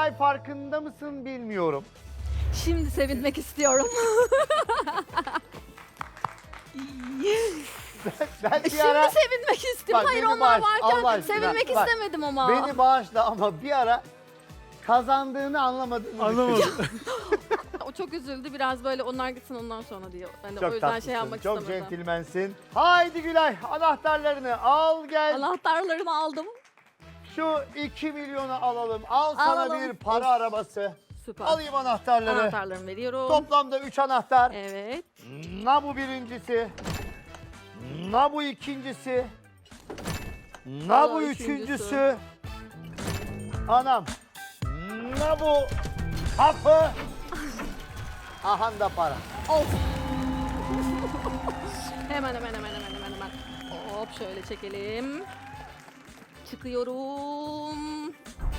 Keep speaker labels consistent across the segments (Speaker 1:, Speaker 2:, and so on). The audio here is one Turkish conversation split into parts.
Speaker 1: Gülay farkında mısın bilmiyorum.
Speaker 2: Şimdi sevinmek istiyorum.
Speaker 1: Ben bir
Speaker 2: Şimdi
Speaker 1: ara
Speaker 2: sevinmek istiyorum.
Speaker 1: Bak,
Speaker 2: Hayır
Speaker 1: beni
Speaker 2: onlar
Speaker 1: bağış, Allah
Speaker 2: varken
Speaker 1: aşkına.
Speaker 2: sevinmek
Speaker 1: Bak,
Speaker 2: istemedim ama.
Speaker 1: beni bağışla ama bir ara kazandığını anlamadığını
Speaker 3: Anlamadım.
Speaker 2: O çok üzüldü biraz böyle onlar gitsin ondan sonra diyor. Ben de
Speaker 1: Çok
Speaker 2: o yüzden
Speaker 1: tatlısın,
Speaker 2: şey yapmak
Speaker 1: çok
Speaker 2: istemedim.
Speaker 1: centilmensin. Haydi Gülay anahtarlarını al gel.
Speaker 2: Anahtarlarını aldım.
Speaker 1: Şu 2 milyonu alalım. Al sana
Speaker 2: Alalım.
Speaker 1: bir para arabası.
Speaker 2: Süper.
Speaker 1: Alayım anahtarları.
Speaker 2: Anahtarlarımı veriyorum.
Speaker 1: Toplamda 3 anahtar.
Speaker 2: Evet.
Speaker 1: Na bu birincisi. Na bu ikincisi. Na
Speaker 2: Al o
Speaker 1: bu
Speaker 2: üçüncüsü.
Speaker 1: üçüncüsü. Anam. Na bu hapı. Ahan da para.
Speaker 2: Of. hemen. Hop şöyle çekelim. Çıkıyorum.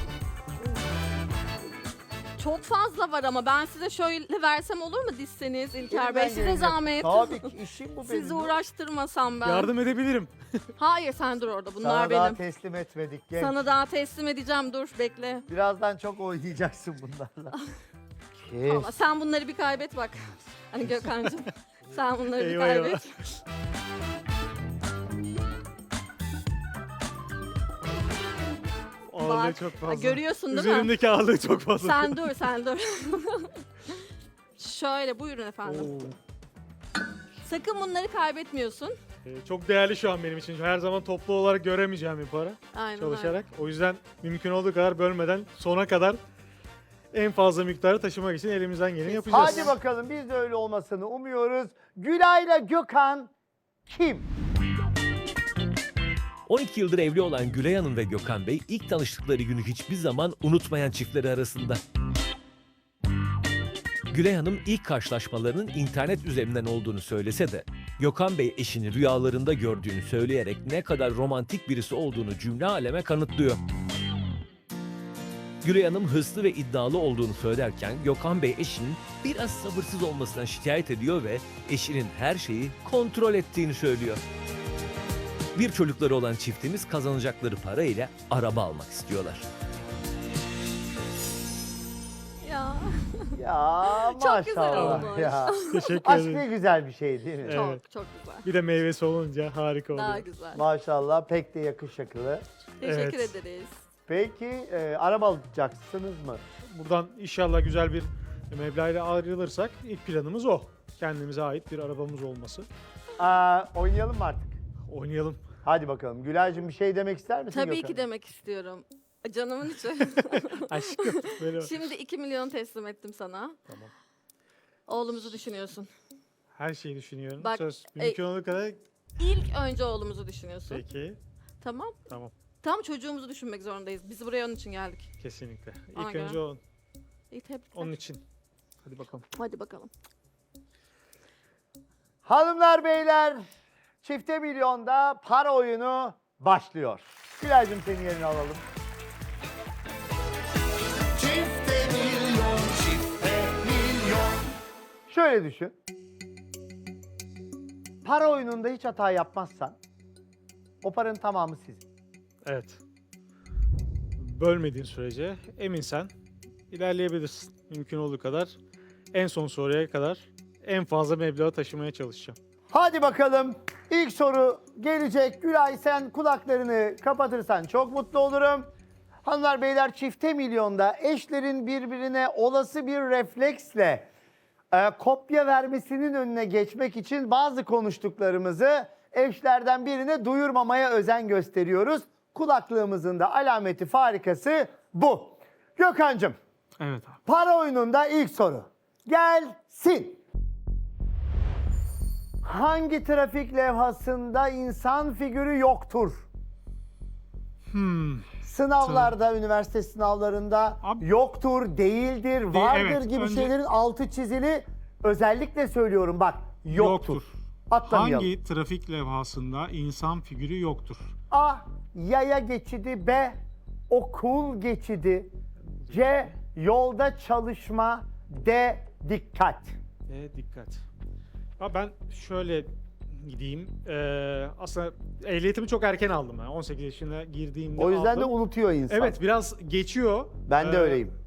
Speaker 2: Çok fazla var ama ben size şöyle versem olur mu dizseniz İlker Bey?
Speaker 1: Elimden
Speaker 2: Size
Speaker 1: gelecek.
Speaker 2: zahmet.
Speaker 1: Tabii ki işim bu benim.
Speaker 2: Sizi uğraştırmasam ben.
Speaker 3: Yardım edebilirim.
Speaker 2: Hayır sen dur orada bunlar
Speaker 1: Sana daha
Speaker 2: benim.
Speaker 1: teslim etmedik genç.
Speaker 2: Sana daha teslim edeceğim dur bekle.
Speaker 1: Birazdan çok oynayacaksın bunlarla.
Speaker 2: Ama
Speaker 1: Kes.
Speaker 2: sen bunları bir kaybet bak. Hani Gökhan'cığım sen bunları bir
Speaker 3: Eyvah,
Speaker 2: kaybet.
Speaker 3: eyvah. Ağırlığı
Speaker 2: Bak,
Speaker 3: çok fazla.
Speaker 2: görüyorsun değil mi?
Speaker 3: Üzerimdeki ağırlığı çok fazla.
Speaker 2: Sen dur. Şöyle buyurun efendim.
Speaker 3: Oo.
Speaker 2: Sakın bunları kaybetmiyorsun.
Speaker 3: Çok değerli şu an benim için. Her zaman toplu olarak göremeyeceğim bir para
Speaker 2: Aynen
Speaker 3: çalışarak. O yüzden mümkün olduğu kadar bölmeden sona kadar en fazla miktarı taşımak için elimizden geleni yapacağız.
Speaker 1: Hadi bakalım biz de öyle olmasını umuyoruz. Gülay'la Gökhan kim?
Speaker 4: 12 yıldır evli olan Gülay Hanım ve Gökhan Bey ilk tanıştıkları günü hiçbir zaman unutmayan çiftleri arasında. Gülay Hanım ilk karşılaşmalarının internet üzerinden olduğunu söylese de Gökhan Bey eşini rüyalarında gördüğünü söyleyerek ne kadar romantik birisi olduğunu cümle aleme kanıtlıyor. Gülay Hanım hırslı ve iddialı olduğunu söylerken Gökhan Bey eşinin biraz sabırsız olmasından şikayet ediyor ve eşinin her şeyi kontrol ettiğini söylüyor. Bir çocukları olan çiftimiz kazanacakları para ile araba almak istiyorlar.
Speaker 2: Ya
Speaker 1: Ya
Speaker 2: Çok güzel
Speaker 1: maşallah
Speaker 2: olmuş.
Speaker 1: ya.
Speaker 3: Teşekkür
Speaker 1: Aşk
Speaker 3: ederim.
Speaker 1: ne güzel bir şey değil mi?
Speaker 3: Evet.
Speaker 2: çok güzel.
Speaker 3: Bir de meyvesi olunca harika
Speaker 2: Daha
Speaker 3: oluyor.
Speaker 2: güzel.
Speaker 1: Maşallah pek de yakışıklı.
Speaker 2: Teşekkür
Speaker 3: Evet.
Speaker 2: ederiz.
Speaker 1: Peki araba alacaksınız mı?
Speaker 3: Buradan inşallah güzel bir meblağla ayrılırsak ilk planımız o. Kendimize ait bir arabamız olması.
Speaker 1: Oynayalım mı artık?
Speaker 3: Oynayalım.
Speaker 1: Hadi bakalım. Gülay'cığım bir şey demek ister misin
Speaker 2: Tabii
Speaker 1: Gökhan'a?
Speaker 2: ki demek istiyorum. Canımın içi.
Speaker 3: Aşkım. Böyle
Speaker 2: Şimdi 2 milyon teslim ettim sana.
Speaker 3: Tamam.
Speaker 2: Oğlumuzu düşünüyorsun.
Speaker 3: her şeyi düşünüyorum.
Speaker 2: Bak,
Speaker 3: Söz mümkün olduğu kadar.
Speaker 2: İlk önce oğlumuzu düşünüyorsun.
Speaker 3: Peki.
Speaker 2: Tamam.
Speaker 3: Tamam.
Speaker 2: Tam çocuğumuzu düşünmek zorundayız. Biz buraya onun için geldik.
Speaker 3: Kesinlikle.
Speaker 2: Ona
Speaker 3: İlk
Speaker 2: göre.
Speaker 3: önce
Speaker 2: İyi tebrikler.
Speaker 3: onun için. Hadi bakalım.
Speaker 2: Hadi bakalım.
Speaker 1: Hanımlar beyler çifte milyonda para oyunu başlıyor. Gülay'cığım senin yerini alalım. Çifte milyon, çifte milyon. Şöyle düşün. Para oyununda hiç hata yapmazsan o paranın tamamı sizin.
Speaker 3: Evet. Bölmediğin sürece eminsen ilerleyebilirsin. Mümkün olduğu kadar en son soruya kadar en fazla meblağı taşımaya çalışacağım.
Speaker 1: Hadi bakalım. İlk soru gelecek. Gülay sen kulaklarını kapatırsan çok mutlu olurum. Hanımlar beyler çifte milyonda eşlerin birbirine olası bir refleksle kopya vermesinin önüne geçmek için bazı konuştuklarımızı eşlerden birine duyurmamaya özen gösteriyoruz. Kulaklığımızın da alameti farikası bu. Gökhan'cığım
Speaker 3: Evet abi.
Speaker 1: para oyununda ilk soru gelsin. Hangi trafik levhasında insan figürü yoktur? Sınavlarda, üniversite sınavlarında
Speaker 3: Abi-
Speaker 1: yoktur, değildir, vardır
Speaker 3: evet,
Speaker 1: gibi
Speaker 3: önce-
Speaker 1: şeylerin altı çizili. Özellikle söylüyorum bak, yoktur. Atlamayalım.
Speaker 5: Hangi trafik levhasında insan figürü yoktur?
Speaker 1: A. Yaya geçidi. B. Okul geçidi. C. Yolda çalışma. D. Dikkat.
Speaker 3: Dikkat. Abi ben şöyle gideyim. Aslında ehliyetimi çok erken aldım ben. 18 yaşına girdiğimde
Speaker 1: O yüzden de
Speaker 3: aldım.
Speaker 1: unutuyor insan.
Speaker 3: Evet biraz geçiyor.
Speaker 1: Ben de
Speaker 3: Ee,
Speaker 1: öyleyim.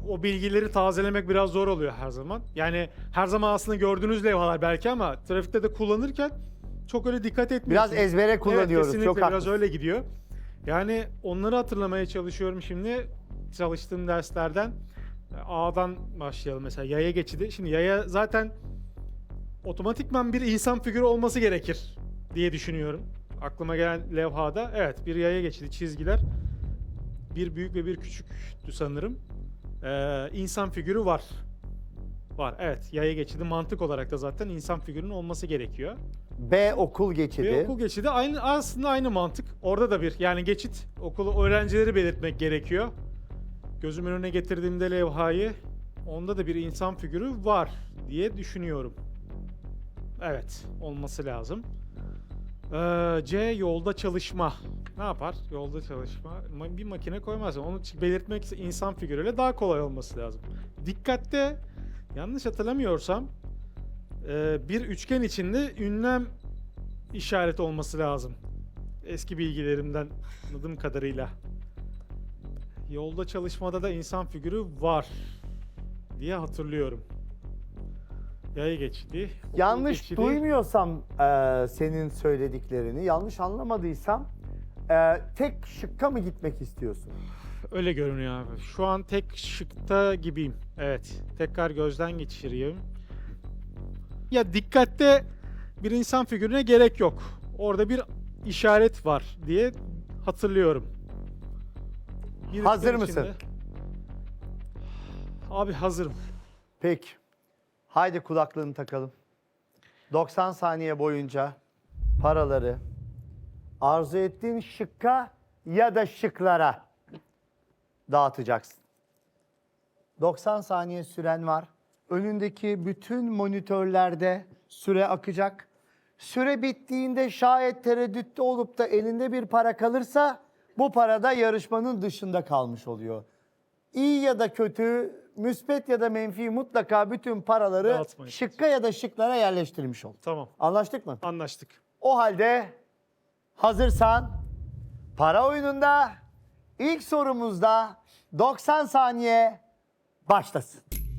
Speaker 3: o bilgileri tazelemek biraz zor oluyor her zaman. Yani her zaman aslında gördüğünüz levhalar belki ama trafikte de kullanırken çok öyle dikkat etmiyorsunuz.
Speaker 1: Biraz ezbere kullanıyoruz.
Speaker 3: Evet, kesinlikle
Speaker 1: Çok
Speaker 3: biraz
Speaker 1: haklısın.
Speaker 3: öyle gidiyor. Yani onları hatırlamaya çalışıyorum şimdi çalıştığım derslerden. A'dan başlayalım mesela yaya geçidi. Şimdi yaya zaten otomatikman bir insan figürü olması gerekir diye düşünüyorum. Aklıma gelen levhada evet bir yaya geçidi çizgiler. Bir büyük ve bir küçüktü sanırım. İnsan figürü var. Var evet yaya geçidi mantık olarak da zaten insan figürünün olması gerekiyor.
Speaker 1: B okul geçidi.
Speaker 3: Ve okul geçidi aslında aynı mantık. Orada da bir yani geçit okulu öğrencileri belirtmek gerekiyor. Gözümün önüne getirdiğimde levhayı onda da bir insan figürü var diye düşünüyorum. Evet olması lazım. C yolda çalışma. Ne yapar? Yolda çalışma. Bir makine koymaz. Onu belirtmek ise insan figürüyle daha kolay olması lazım. Dikkatte yanlış hatırlamıyorsam bir üçgen içinde ünlem işareti olması lazım. Eski bilgilerimden anladığım kadarıyla. Yolda çalışmada da insan figürü var diye hatırlıyorum. Yaya geçidi. okul
Speaker 1: Yanlış
Speaker 3: geçidi.
Speaker 1: duymuyorsam senin söylediklerini, yanlış anlamadıysam tek şıkka mı gitmek istiyorsun?
Speaker 3: Öyle görünüyor abi. Şu an tek şıkta gibiyim. Evet. Tekrar gözden geçireyim. Ya dikkatte bir insan figürüne gerek yok. Orada bir işaret var diye hatırlıyorum. Bir
Speaker 1: Hazır
Speaker 3: üçgen
Speaker 1: mısın?
Speaker 3: içinde- Abi hazırım.
Speaker 1: Peki. Haydi kulaklığını takalım. 90 saniye boyunca paraları arzu ettiğin şıkka ya da şıklara dağıtacaksın. 90 saniye süren var. Önündeki bütün monitörlerde süre akacak. Süre bittiğinde şayet tereddütte olup da elinde bir para kalırsa bu para da yarışmanın dışında kalmış oluyor. İyi ya da kötü, müspet ya da menfi mutlaka bütün paraları
Speaker 3: Dağıtmaya
Speaker 1: şıkka ya da şıklara yerleştirmiş ol.
Speaker 3: Tamam.
Speaker 1: Anlaştık mı?
Speaker 3: Anlaştık.
Speaker 1: O halde hazırsan para oyununda ilk sorumuzda 90 saniye başlasın.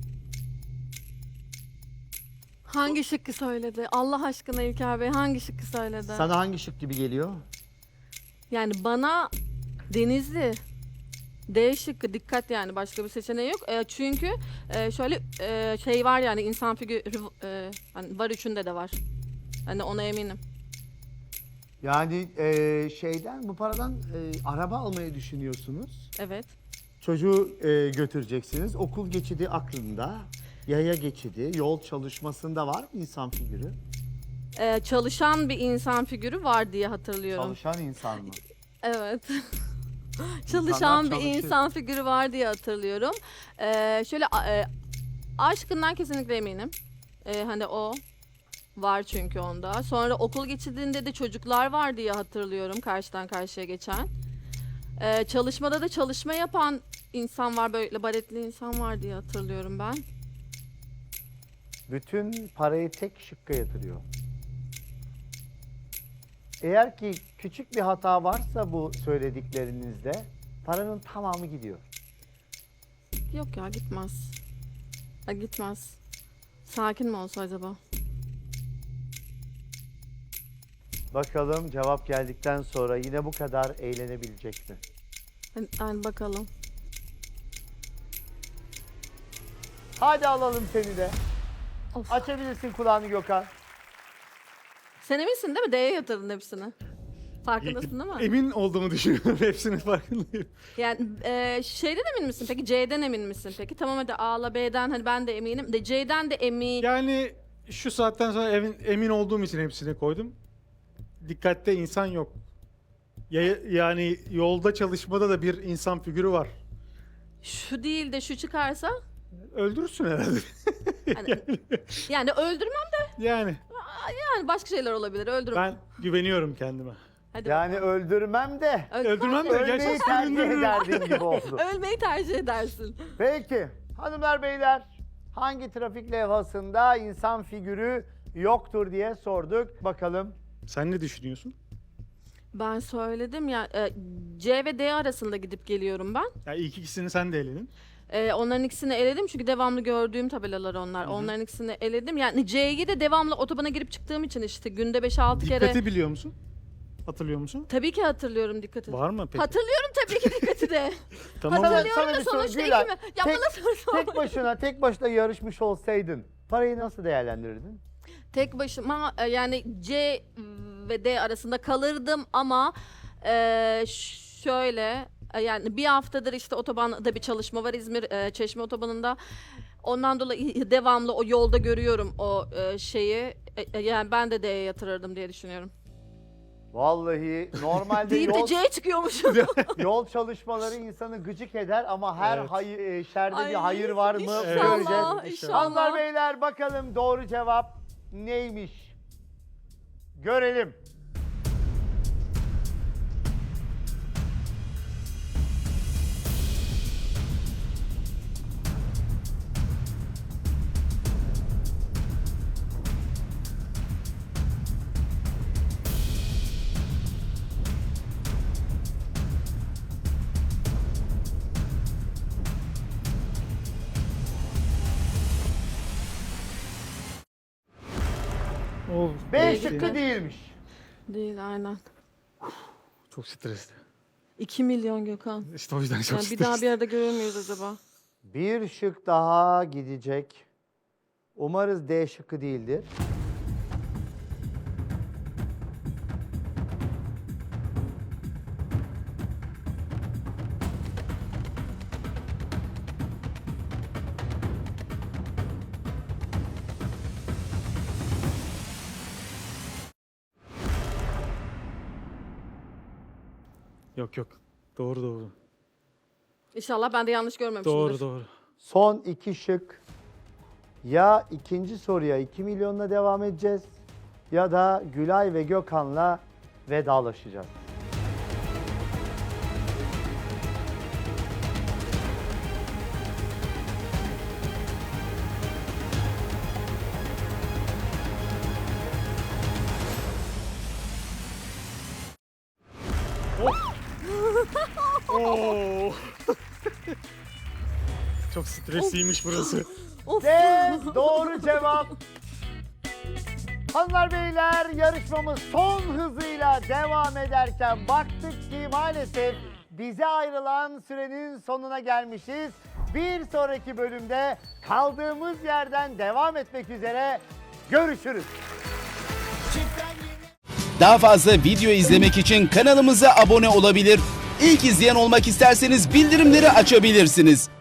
Speaker 2: Hangi şıkkı söyledi? Allah aşkına İlker Bey hangi şıkkı söyledi?
Speaker 1: Sana hangi şık gibi geliyor?
Speaker 2: Yani bana Denizli. D şıkkı dikkat yani başka bir seçeneği yok. Çünkü şöyle şey var yani insan figürü hani var üçünde de var. Hani ona eminim.
Speaker 1: Yani şeyden bu paradan araba almayı düşünüyorsunuz.
Speaker 2: Evet.
Speaker 1: Çocuğu götüreceksiniz. Okul geçidi aklında. Yaya geçidi, yol çalışmasında var mı insan figürü?
Speaker 2: Çalışan bir insan figürü var diye hatırlıyorum.
Speaker 1: Çalışan insan mı?
Speaker 2: Evet. Çalışan bir
Speaker 1: çalışır.
Speaker 2: insan figürü var diye hatırlıyorum. Şöyle aşkından kesinlikle eminim. Hani o var çünkü onda. Sonra okul geçidinde de çocuklar var diye hatırlıyorum karşıdan karşıya geçen. Çalışmada da çalışma yapan insan var, böyle baretli insan var diye hatırlıyorum ben.
Speaker 1: Bütün parayı tek şıkka yatırıyor. Eğer ki küçük bir hata varsa bu söylediklerinizde paranın tamamı gidiyor.
Speaker 2: Yok ya gitmez. Gitmez. Sakin mi olsa acaba?
Speaker 1: Bakalım cevap geldikten sonra yine bu kadar eğlenebilecek mi?
Speaker 2: Yani bakalım.
Speaker 1: Hadi alalım seni de.
Speaker 2: Of.
Speaker 1: Açabilirsin kulağını Gökhan.
Speaker 2: Sen eminsin değil mi? D'ye yatırdın hepsini. Farkındasın değil mi?
Speaker 3: Emin olduğumu düşünüyorum. Hepsinin farkındayım.
Speaker 2: Yani şeyden emin misin peki? C'den emin misin peki? Tamam hadi A'la B'den hani ben de eminim. De C'den de emin.
Speaker 3: Yani şu saatten sonra emin olduğum için hepsini koydum. Dikkatte insan yok. Yani yolda çalışmada da bir insan figürü var.
Speaker 2: Şu değil de şu çıkarsa
Speaker 3: Öldürürsün herhalde.
Speaker 2: yani öldürmem
Speaker 3: Yani
Speaker 2: yani başka şeyler olabilir. Öldürmem.
Speaker 3: ben güveniyorum kendime.
Speaker 2: Hadi
Speaker 1: Yani
Speaker 2: bakalım.
Speaker 1: öldürmem de
Speaker 3: Öldürmem de
Speaker 1: ölmeyi
Speaker 3: gerçekten
Speaker 1: tercih
Speaker 3: öldürürüm.
Speaker 1: ederdim gibi oldu.
Speaker 2: Ölmeyi tercih edersin.
Speaker 1: Peki hanımlar beyler hangi trafik levhasında insan figürü yoktur diye sorduk. Bakalım.
Speaker 3: Sen ne düşünüyorsun?
Speaker 2: Ben söyledim ya C ve D arasında gidip geliyorum ben.
Speaker 3: Ya ilk ikisini sen de eledin.
Speaker 2: Onların ikisini eledim çünkü devamlı gördüğüm tabelalar onlar. Onların ikisini eledim. Yani C'yi de devamlı otobana girip çıktığım için işte günde 5-6 kere.
Speaker 3: Dikkati biliyor musun? Hatırlıyor musun?
Speaker 2: Tabii ki hatırlıyorum dikkati.
Speaker 3: Var mı peki?
Speaker 2: Hatırlıyorum tabii ki dikkati de.
Speaker 3: Tamam.
Speaker 2: Hatırlıyorum
Speaker 1: Sana
Speaker 2: da
Speaker 1: bir soru,
Speaker 2: sonuçta
Speaker 1: Gülay.
Speaker 2: iki mi? Ya bana soru sorma.
Speaker 1: Tek başına yarışmış olsaydın parayı nasıl değerlendirirdin?
Speaker 2: Tek başıma yani C ve D arasında kalırdım ama şöyle yani bir haftadır işte otobanda bir çalışma var İzmir Çeşme otobanında. Ondan dolayı devamlı o yolda görüyorum o şeyi. Yani ben de D'ye yatırırdım diye düşünüyorum.
Speaker 1: Vallahi normalde
Speaker 2: Değil de
Speaker 1: yol,
Speaker 2: C çıkıyormuş.
Speaker 1: yol çalışmaları insanı gıcık eder ama her
Speaker 3: Evet.
Speaker 1: şerde bir
Speaker 2: Ay,
Speaker 1: hayır var mı
Speaker 2: İnşallah,
Speaker 1: göreceğiz.
Speaker 2: inşallah.
Speaker 1: Hanımlar beyler bakalım doğru cevap neymiş? Görelim.
Speaker 3: Oh,
Speaker 1: B
Speaker 2: gitti.
Speaker 1: şıkkı değilmiş.
Speaker 2: Değil aynen.
Speaker 3: çok stresli.
Speaker 2: 2 milyon Gökhan.
Speaker 3: İşte o yüzden çok
Speaker 2: Yani bir
Speaker 3: stresli.
Speaker 2: daha bir arada görür müyüz acaba?
Speaker 1: Bir şık daha gidecek. Umarız D şıkkı değildir.
Speaker 3: Yok yok. Doğru doğru.
Speaker 2: İnşallah ben de yanlış görmemişimdir.
Speaker 3: Doğru doğru.
Speaker 1: Son iki şık. Ya ikinci soruya 2 milyonla devam edeceğiz ya da Gülay ve Gökhan'la vedalaşacağız.
Speaker 3: Oo. Çok stresliymiş burası.
Speaker 2: Of.
Speaker 1: Ve doğru cevap. Hanımlar beyler yarışmamız son hızıyla devam ederken baktık ki maalesef bize ayrılan sürenin sonuna gelmişiz. Bir sonraki bölümde kaldığımız yerden devam etmek üzere görüşürüz.
Speaker 6: Daha fazla video izlemek için kanalımıza abone olabilir. İlk izleyen olmak isterseniz bildirimleri açabilirsiniz.